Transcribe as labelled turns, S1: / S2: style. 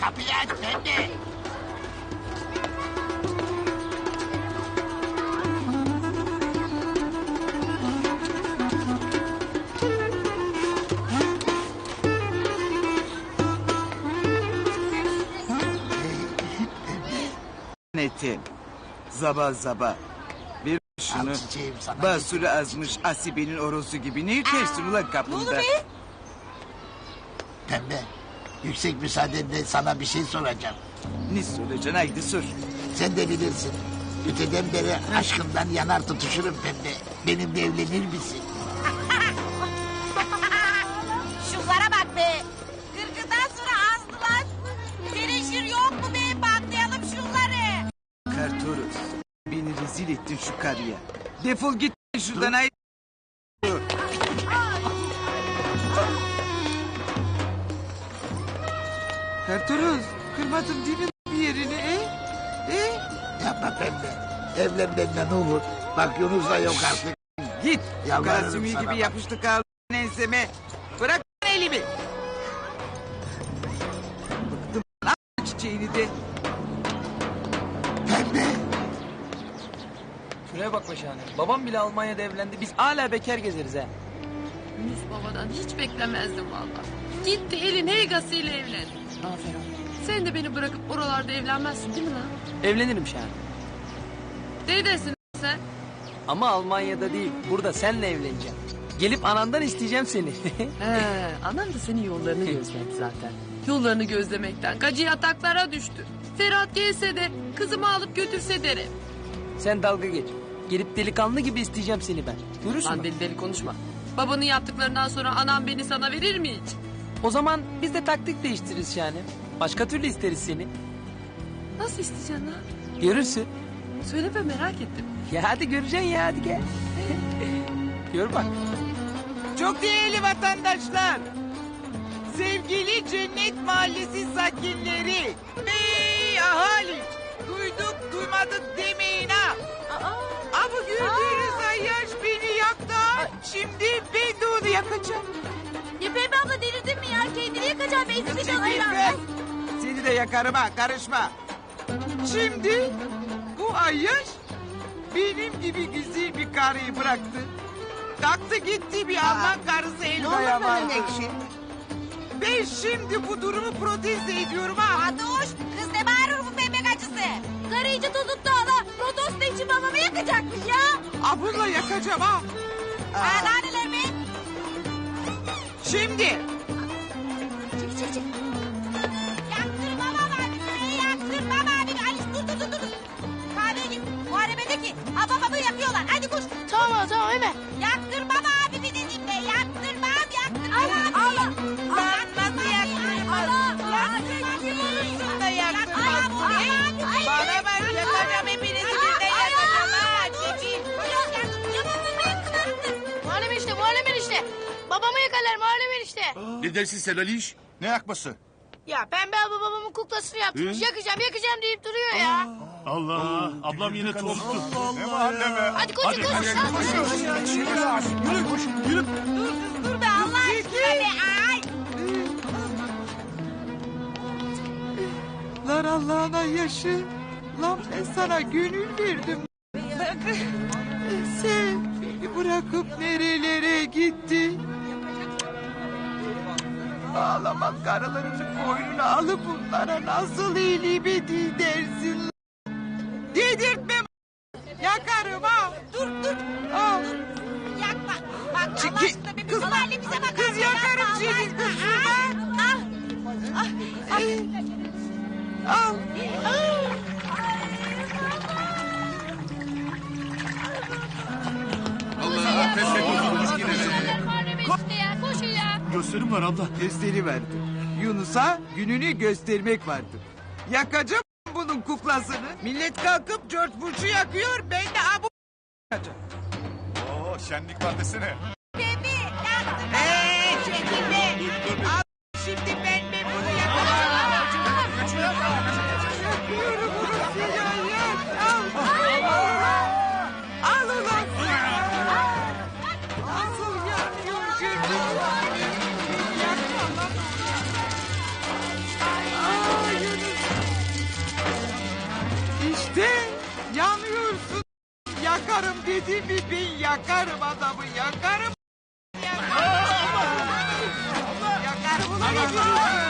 S1: Kapıyı aç pembe.
S2: Netim. Zaba zaba. Bir şunu.
S1: Al çiçeğim sana.
S2: Basuru azmış Asibe'nin orosu gibi. Ne yürütersin ulan kapında?
S1: Pembe. Yüksek müsaadenle sana bir şey soracağım.
S2: Ne soracaksın haydi sor.
S1: Sen de bilirsin. Öteden beri aşkından yanar tutuşurum pembe. Benimle evlenir misin?
S3: Şunlara bak be. Kırkından sonra azdılar. Teneşir yok mu be? Patlayalım şunları.
S2: Kartoros. Beni rezil ettin şu karıya. Defol git şuradan haydi. Kartoros. Kırmadım değil mi bir yerini?
S1: Yapma pembe. Evlen benimle ne olur. Bak Yunus da yok artık.
S2: Git.
S1: Yalvarırım
S2: Karasümü
S1: sana
S2: gibi
S1: bak.
S2: yapıştı kaldı enseme. Bırak elimi. Bıktım lan çiçeğini de.
S1: Pembe.
S4: Şuraya bak be Şahane. Babam bile Almanya'da evlendi. Biz hala bekar gezeriz ha.
S5: Yunus babadan hiç beklemezdim valla. Gitti elin heygasıyla evlendi.
S4: Aferin.
S5: Sen de beni bırakıp oralarda evlenmezsin değil mi lan?
S4: Evlenirim Şahane.
S5: Neredesin sen?
S4: Ama Almanya'da değil. Burada seninle evleneceğim. Gelip anandan isteyeceğim seni.
S5: He, anam da senin yollarını gözledi zaten. Yollarını gözlemekten gacı yataklara düştü. Ferhat gelse de kızımı alıp götürse derim.
S4: Sen dalga geç. Gelip delikanlı gibi isteyeceğim seni ben. Görürsün
S5: Lan
S4: bak.
S5: deli deli konuşma. Babanın yaptıklarından sonra anam beni sana verir mi hiç?
S4: O zaman biz de taktik değiştiririz Şahane. Başka türlü isteriz seni.
S5: Nasıl isteyeceksin lan?
S4: Görürsün.
S5: Söyle be merak ettim.
S4: Ya hadi göreceksin ya hadi gel. Gör bak.
S2: Çok değerli vatandaşlar. Sevgili Cennet Mahallesi sakinleri. Ey ahali. Duyduk duymadık demeyin ha. Ama gördüğünüz ayyaş beni yaktı. Şimdi ben de onu yakacağım.
S3: Ya Pembe abla delirdin mi ya? Kendini yakacağım. Benzin bir
S2: Çekil
S3: dolayı
S2: be. Seni de yakarım ha karışma. Şimdi bu ayyaş benim gibi güzel bir karıyı bıraktı. Kalktı gitti bir Alman karısı Elva'ya vardı. Ben şimdi bu durumu protesto ediyorum ha.
S3: Adoş, kız ne bağırır bu pembe gacısı? Karı iyice tuttu hala. Protesto için babamı yakacakmış ya.
S2: Ha bununla yakacağım ha.
S3: Ha laneler mi?
S2: Şimdi
S3: Çık. Yaktırmam abi. Yaktırmam abi. Alice dur. Kahveye git. Muharebedeki. Ha babamı yakıyorlar. Hadi koş.
S6: Tamam hemen.
S3: Yaktırmam abi bir dedim de. Yaktırmam. Allah.
S2: lan nasıl yaktırmaz? Lan sen kim olursun da yaktırmaz? Bana bak yakacağım hepinizi birden yakacağım ha. Çekil.
S6: Muharrem enişte. Babamı yakalar Muharrem enişte.
S7: Ne dersin sen Aliş? Ne yakması?
S6: Ya Pembe abla babamın kuklasını yaptırmış. Yakacağım deyip duruyor ya.
S8: Allah, ablam yine tozlu.
S7: Ne mahalle be?
S6: Hadi koş.
S3: Dur be Allah aşkına be. Ay.
S2: Lan Allah'ına yaşı. Lan ben sana gönül verdim. Sen beni bırakıp nerelere gittin? Ağlamak karılarının boynuna alıp bunlara nasıl iyiliğimi dersin? Dedirtme. Yakarım ha. Dur. Al.
S3: Yakma. Bak Allah
S2: Çekil.
S3: aşkına bir
S2: Kız-
S3: kız halimize bakar.
S2: kız yakarım seni, kız Al.
S7: Allah pes ediyorsunuz yine be.
S6: Muharrem enişte ya koşun ya.
S8: Gösterim var abla.
S2: Gösteri verdi. Yunus'a gününü göstermek vardı. Yakacağım bunun kuklasını. Millet kalkıp George Bush'u yakıyor. Ben de abu yakacağım.
S7: Oo şenlik var desene.
S3: Pembe yaktırmam.
S2: Çekil be. Al şimdi ben bunu yakacağım. Yakıyorum bunu ya. Al ulan. Nasıl yanıyor görüyor musun? Yakma lan. İşte yanıyorsun. Yakarım dedim mi ben yakarım adamı yakarım. Yakarım ulan. Yakarım ulan.